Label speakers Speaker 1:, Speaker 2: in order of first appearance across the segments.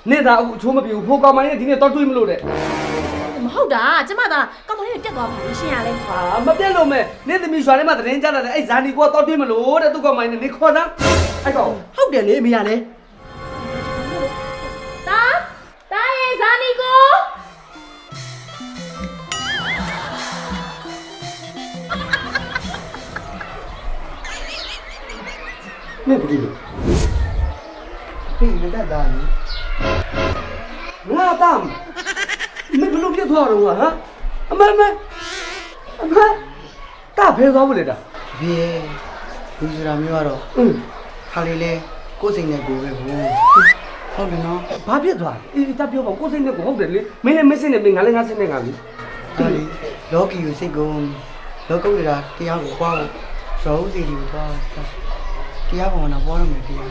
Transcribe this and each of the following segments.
Speaker 1: နေတာအခုအချိုးမပြေဘူးဖိုးကောင်မလေးဒီနေ့တော့တွေးမလို့တဲ့
Speaker 2: မဟုတ်တာကျမသာကောင်းမလေးပြတ်သွားပါလို့ရှင်ရလဲ
Speaker 1: ဟာမပြတ်လို့မဲ့နေသမီးရွာထဲမှာသတင်းကြားလာတယ်အဲ့ဇာနီကတော့တွေးမလို့တဲ့သူ့ကောင်မလေးနေခေါ်တာအဲ့ကောင်
Speaker 3: ဟုတ်တယ်လေအမေရလဲ
Speaker 2: တာရဲ့ဇာနီကို
Speaker 1: နေပြီလို့
Speaker 3: ဖေးငါတတ်တာလေ
Speaker 1: ငါတမ်းမင်းဘလို့ပြတ်သွားတော့ဟာအမတာဖဲသွားဘူးလေတာ
Speaker 3: ဖေးလူစရာမျိုးကတော့ခါလေးလဲကိုယ်စိတ်နဲ့ကိုယ်ပဲဘို့ဟုတ်တယ်နော်
Speaker 1: ဘာပြတ်သွားအေးတာပြောပါကိုစိတ်နဲ့ကိုဟုတ်တယ်လေမင်းလည်းမစင်းနဲ့မင်းငါလည်းငါစင်းနဲ့ငါပြီ
Speaker 3: ဒါလေလောကီကိုစိတ်ကုန်လောကုတ်ရတာတရားကိုပွားဖို့ရောဦးစီကိုပွားတရားပေါ်မှာပွားရမယ်ဖေး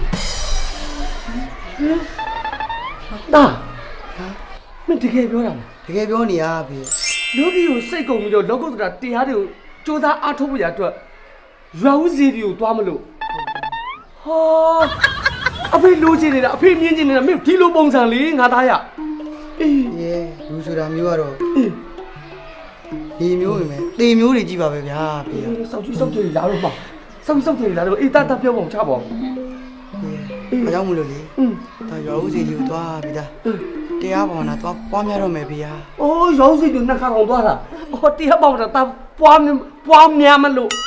Speaker 1: တာ
Speaker 3: ဟာ
Speaker 1: မင်းတကယ်ပြောတာလား
Speaker 3: တကယ်ပြောနေရဖေး
Speaker 1: လောကီကိုစိတ်ကုန်ပြီးတော့လောကုတ္တရာတရားတွေကိုစူးစမ်းအားထုတ်ဖို့ရအတွက်ရွာဦးစီတွေကိုသွားမလို့ဟာအဖေလိုချင်နေတာအဖေမြင်ချင်နေတာမင်းဒီလိုပုံစံလေးငါသားရအေး
Speaker 3: ရေလူဆိုတာမျိုးကတော့
Speaker 1: အေး
Speaker 3: ဒီမျိုးပဲတေမျိုးတွေကြည့်ပါပဲဗျာဖေး
Speaker 1: စောက်ကြည့်စောက်ကြည့်လာတော့ပါစောက်ကြည့်လာတော့အေးတာပြောပုံချပါဦး
Speaker 3: ဘာကြောင့်မလို့လေ
Speaker 1: อืม
Speaker 3: ဒါရောဦးစီကိုသွားပြီးသားတရားပေါ်မှာသွားပွားများတော့မယ်ဖေး
Speaker 1: အိုးရွာဦးစီတွေနှစ်ခါအောင်သွားတာဟောတရားပေါင်းတာပွားများမလို့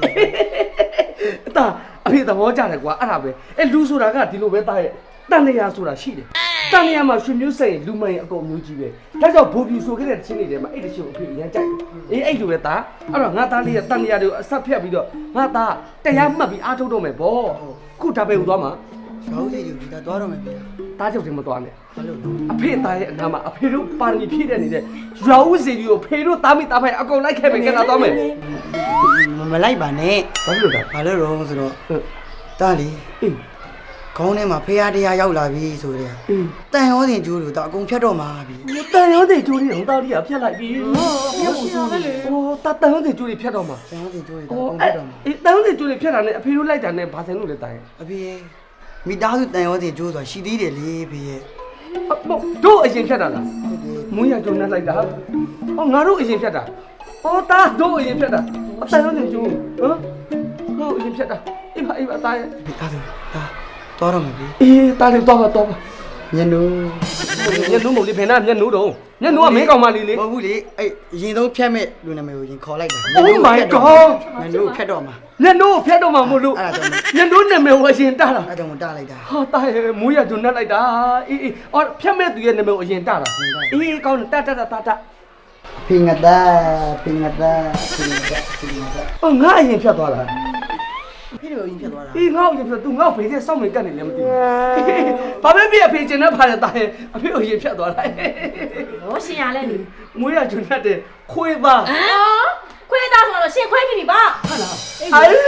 Speaker 1: တာအဖေသဘောကျတယ်ကွာအဲ့ဒါပဲအဲ့လူဆိုတာကဒီလိုပဲတာရဲ့တန်နေရဆိုတာရှိတယ်တန်နေရမှာရွှေမျိုးစိန်လူမိုင်အကုန်မျိုးကြီးပဲဒါကြောင့်ဘိုးပြူဆိုခဲ့တဲ့ချင်းတွေထဲမှာအဲ့တချင်းကိုအဖေအရန်ကြိုက်တယ်အေးအဲ့လိုပဲတာအဲ့တော့ငါသားလေးကတန်နေရတွေကိုအဆက်ဖြတ်ပြီးတော့ငါသားတရားမှတ်ပြီးအားထုတ်တော့မယ်ဗောခုဒါပဲဟိုသွားမှာ
Speaker 3: ရောဦးစီကိုပြီးသားသွားတော့မယ်ဖေး
Speaker 1: တားကြောက်တယ်မသွားနဲ့
Speaker 3: ဘာလို့
Speaker 1: အဖေသားရဲ့အနာမှာအဖေတို့ပါရမီဖြည့်တဲ့နေတဲ့ရွာဦးစီကြီးကိုဖေတို့သားမိသားဖိုင်အကုန်လိုက်ခဲ့ပဲကဲလာသွားမယ်
Speaker 3: မလိုက်ပါနဲ့
Speaker 1: ဘာလို့လဲ
Speaker 3: ဘာလို့ရောဆိုတော့တားလီ
Speaker 1: အေး
Speaker 3: ခေါင်းထဲမှာဖေးတရားရောက်လာပြီဆိုတဲ့
Speaker 1: အေး
Speaker 3: တန်ရောစင်ကျိုးတွေတော့အကုန်ဖြတ်တော့မှာပြီ
Speaker 1: တန်ရုံးတွေကျိုးတွေဟိုတောက်လေးကဖြတ်လိုက်ပြီ
Speaker 3: ပြောဖို့ဆိုးလေ
Speaker 1: ဟိုတန်ရုံးတွေကျိုးတွေဖြတ်တော့မှာ
Speaker 3: တန်ရောစင်ကျိုးတွေတော့အကုန်ဖြတ်တော့မှာ
Speaker 1: အေးတန်ရုံးတွေကျိုးတွေဖြတ်တာနဲ့အဖေတို့လိုက်တာနဲ့ဘာဆိုင်လို့လဲတိုင်
Speaker 3: အဖေမိသားစုတန်ရောစင်ကျိုးဆိုတာရှိသေးတယ်လေဖေးရဲ့
Speaker 1: တို့အရင်ဖြတ်တာလား
Speaker 3: ဟုတ်တယ်
Speaker 1: မွေးရကျုံနဲ့လိုက်တာဟောငါတို့အရင်ဖြတ်တာဟောတာတို့အရင်ဖြတ်တာအတန်ရုံးတွေကျိုးဟမ်ငါတို့အရင်ဖြတ်တာအေးပါတာရဲ့
Speaker 3: မိသားစုဒါသွားတော့မယ်ဖေး
Speaker 1: အေးတာလေးတော့ပါ
Speaker 3: ညနိုး
Speaker 1: ညနိုးမလေးဖင်နာညနိုးတော့ညနိုးကမင်းကောင်မလေးလေ
Speaker 3: မဟုတ်ဘူးလေအဲ့ရင်ဆုံးဖြတ်မဲ့လူနာမည်ကိုရင်ခေါ်လိုက်တာ
Speaker 1: Oh my god
Speaker 3: ညနိုးဖြတ်တော့မှာ
Speaker 1: ညနိုးဖြတ်တော့မှမို့လို့
Speaker 3: အဲ့ဒါကြောင့်
Speaker 1: ညနိုးနာမည်ကိုအရင်တားတာ
Speaker 3: အဲ့ကြောင့်တားလိုက်တာ
Speaker 1: ဟာတားရဲ့မွေးရဂျွန်းနဲ့လိုက်တာအေးအော်ဖြတ်မဲ့သူရဲ့နာမည်ကိုအရင်တားတာအေးကောင်းတယ်တာ
Speaker 3: ဖင်ငတာဖင်ငတာဖင်ငတာဖင်ငတာ
Speaker 1: အော်ငါအရင်ဖြတ်သွားတာ
Speaker 3: ဖေးတွေရင်ဖြတ်သွားတာ
Speaker 1: အေးငါ့အရင်ဖြတ်သူငါ့ဖေးတဲ့စောင့်နေကတ်နေလည်းမသိဘူးဘာပဲပြအဖေကျင်တဲ့ဖာတဲ့တားရဲ့အဖေကိုအရင်ဖြတ်သွားတာ
Speaker 2: ဟောရှင်ရလဲလေ
Speaker 1: မွေးရဂျွန်းနဲ့ခွေးသား
Speaker 2: ခွေးသားဆိုတော့ရှင်ခွေးပြီပါ
Speaker 1: ဟုတ်လား
Speaker 2: အေး
Speaker 1: အေး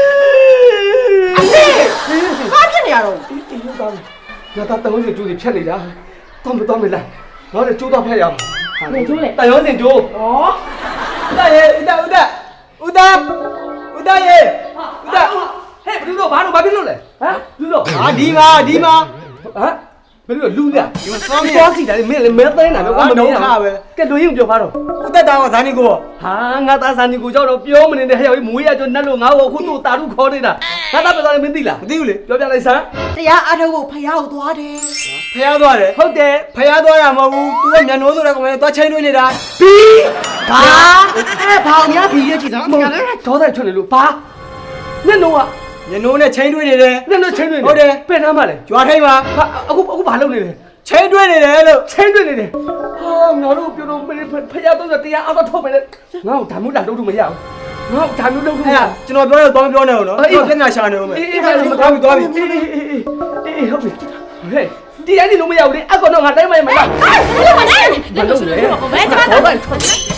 Speaker 2: ဘာဖြစ်နေရတော့
Speaker 1: အေးရောက်သွားပြီငါသားတောင်းစင်ကျိုးတွေဖြတ်နေတာတော့မလားငါလည်းကျိုးတော့ဖက်ရအောင်
Speaker 2: နေကျိုးလေ
Speaker 1: တန်ရုံးစင်ကျိုး
Speaker 2: ဩ
Speaker 1: ဦးသားရေဦးသားရေဟဲ့ဘယ်လိုတော့ဘာလို့ဘာဖြစ်လို့လဲဟမ်လူတော့
Speaker 3: အာဒီမှာ
Speaker 1: ဟမ်ဘယ်လိုလူလဲ
Speaker 3: ဒီမှာသွားမယ်
Speaker 1: သွားစီတာလေမင်းလည်းမဲသိမ်းတာပဲကွာ
Speaker 3: ဒုက္ခပဲ
Speaker 1: ကဲလူရင်ပြောပါတော့
Speaker 3: ဦးသက်တာကဇာနီကို
Speaker 1: ဟာငါသားစံကြီးကိုကြောက်တော့ပြောမနေတဲ့ဟဲ့ရောက်မွေးရကြနတ်လို့ငါ့ကိုအခုတို့တာရုခေါ်နေတာငါသားပြောတယ်မင်းသိလား
Speaker 3: မသိဘူးလေ
Speaker 1: ပြောပြလိုက်စမ်း
Speaker 2: တရားအားထုတ်ဖို့ဖယားကိုသွားတယ်
Speaker 3: ဖျားသွားတယ်
Speaker 1: ဟုတ်တယ်
Speaker 3: ဖျားသွားတာမဟုတ်ဘူး तू ကညနိုးဆိုတဲ့ကောင်မလေးသွားချင်းတွင်းနေတာ
Speaker 1: ဘီ
Speaker 3: ဘာအဲ့ဘာအများဘီရဲ့ကြည့်စမ်းအ
Speaker 1: မော
Speaker 3: မေ
Speaker 1: င်
Speaker 3: ကလည်း
Speaker 1: ဒေါသချွတ်နေလို့ဘာညနိုးက
Speaker 3: ညနိုးနဲ့ချင်းတွင်းနေတယ်
Speaker 1: ညနိုးချင်းနေ
Speaker 3: ဟုတ်တယ်
Speaker 1: ပင်နာမလဲ
Speaker 3: ကြွားထိတ်မှာ
Speaker 1: ဟာအခုဘာလုပ်နေလဲ
Speaker 3: ချင်းတွင်းနေတယ်လို့
Speaker 1: ချင်းတွေ့နေတယ်ဟာငါတို့ပြောတော့မင်းဖယားတော့တရားအောက်ထုတ်မယ်လေငါ့ကိုဓာမျိုးလာလုပ်လို့မရဘူးငါ့ကိုဓာမျိုးလုပ်လို့မ
Speaker 3: အဲ့
Speaker 1: ရ
Speaker 3: ဒါကျွန်တော်ပြောတော့သွားမပြောနဲ့ဟုတ်နော်ကျွန်တော်ပြန်ညာရှာနေဦးမယ်
Speaker 1: အေး
Speaker 3: သွားပြီသွားပြီ
Speaker 1: အေးဟုတ်ပြီဟဲ့ဒီအဲ့ဒီလုံးမရဘူးလေအကောင်တော့ငါတိုင်းမရမလား
Speaker 2: အဲ့ဒါမနိုင်ဘူးဘယ်လိုလဲဘယ်ကျမတော့